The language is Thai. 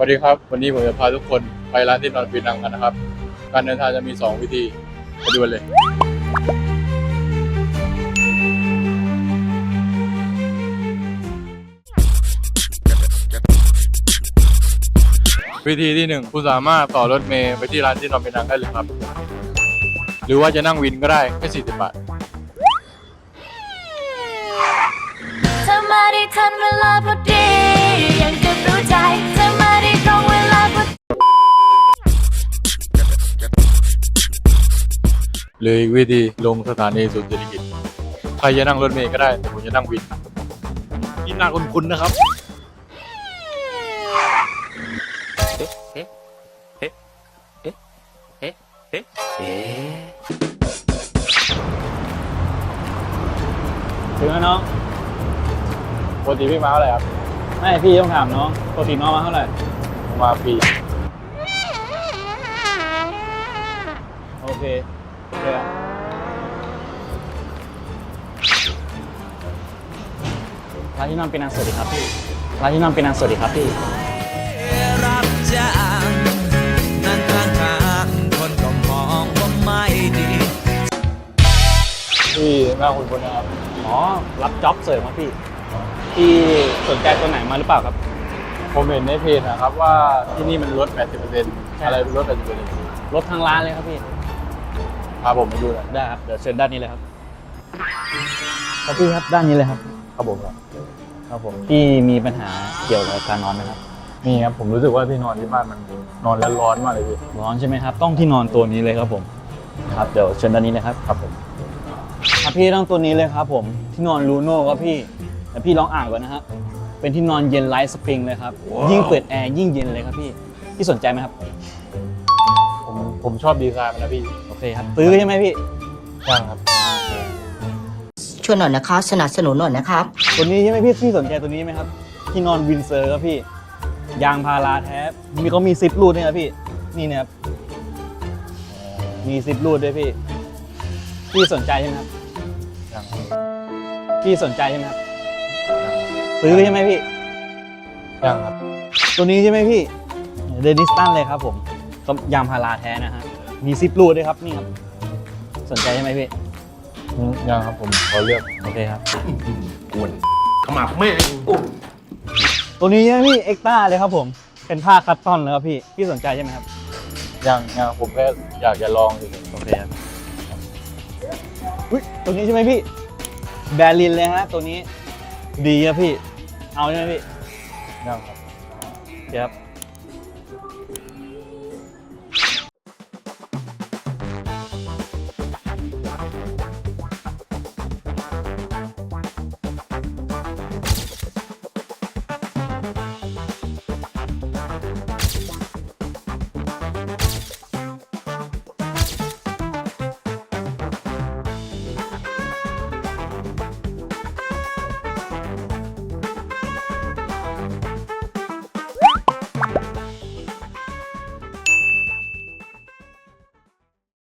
วัสดีครับวันนี้ผมจะพาทุกคนไปร้านที่นอนปีนังกันนะครับการเดินทางจะมี2วิธีไปดูเลยวิธีที่1คุณสามารถต่อรถเมล์ไปที่ร้านที่นอนปีนังได้เลยครับหรือว่าจะนั่งวินก็ได้แค่40 บาทเธอมาได้ทันเวลาพอดียังเก็บรู้ใจเธอมาได้ตรงเวลาพอดีหรืออีกวิธีลงสถานีศูนย์เศรษฐกิจใครจะนั่งรถเมล์ก็ได้แต่ผมจะนั่งวินนี่น่าคุ้นๆนะครับถึงแล้วน้องปกติพี่มาเท่าไหร่ครับไม่พี่ต้องถามน้องปกติน้องมาเท่าไหร่มาฟรีโอเคเดี๋ยวร้านที่นอนเป็นนางสวัสดีครับพี่ร้านที่นอนเป็นนางสวัสดีครับพี่รับจ้างนั่งข้างๆคนก็มองว่าไม่ดีพี่หน้าคุ้นๆนะครับอ๋อรับจ็อบเสริมครับพี่พี่สนใจตัวไหนมาหรือเปล่าครับผมเห็นในเพจนะครับว่าที่นี่มันลด 80% อะไรลด 80% รถทางร้านเลยครับพี่พาผมไปดูหน่อยได้ครับเดี๋ยวเชิญด้านนี้เลยครับครับพี่ครับด้านนี้เลยครับครับผมครับครับผมพี่มีปัญหาเกี่ยวกับการนอนไหมครับนี่ครับผมรู้สึกว่าที่นอนที่บ้านมันนอนแล้วร้อนมากเลยพี่ร้อนใช่ไหมครับต้องที่นอนตัวนี้เลยครับผมครับเดี๋ยวเชิญด้านนี้เลยครับครับผมครับพี่ต้องตัวนี้เลยครับผมที่นอนลูโน่ครับพี่แต่พี่ลองอ่านก่อนนะฮะเป็นที่นอนเย็นไลท์สปริงเลยครับยิ่งเปิดแอร์ยิ่งเย็นเลยครับพี่สนใจไหมครับผมชอบดีไซน์มันนะพี่โอเคครับซื้อใช่ไหมพี่ช่างครับช่วยหน่อยนะคะสนับสนุนหน่อยนะครับตัวนี้ใช่ไหมพี่สนใจตัวนี้ไหมครับที่นอนวินเซอร์ครับพี่ยางพาราแท้มีเขามีซิปรูดด้วยครับพี่นี่นะครับมีซิปรูดด้วยพี่สนใจใช่ไหมครับช่างครับพี่สนใจใช่ไหมครับซื้อใช่ไหมพี่ช่างครับตัวนี้ใช่ไหมพี่เดนิสตันเลยครับผมก็ยางพาราแท้นะฮะมีซิปรูดด้วยครับนี่ครับสนใจใช่ไหมพี่ยังครับผมขอเลือกโอเคครับขมับแม่งตัวนี้ใช่ไหมพี่เอ็กต้าเลยครับผมเป็นผ้าคัตตอนเลยครับพี่สนใจใช่ไหมครับยังผมแค่อยากจะลองดูโอเคครับอุ๊ยตัวนี้ใช่ไหมพี่แบรินเลยฮะตัวนี้ดีครับพี่เอาใช่ไหมพี่ยังครับเดี๋ยวครับ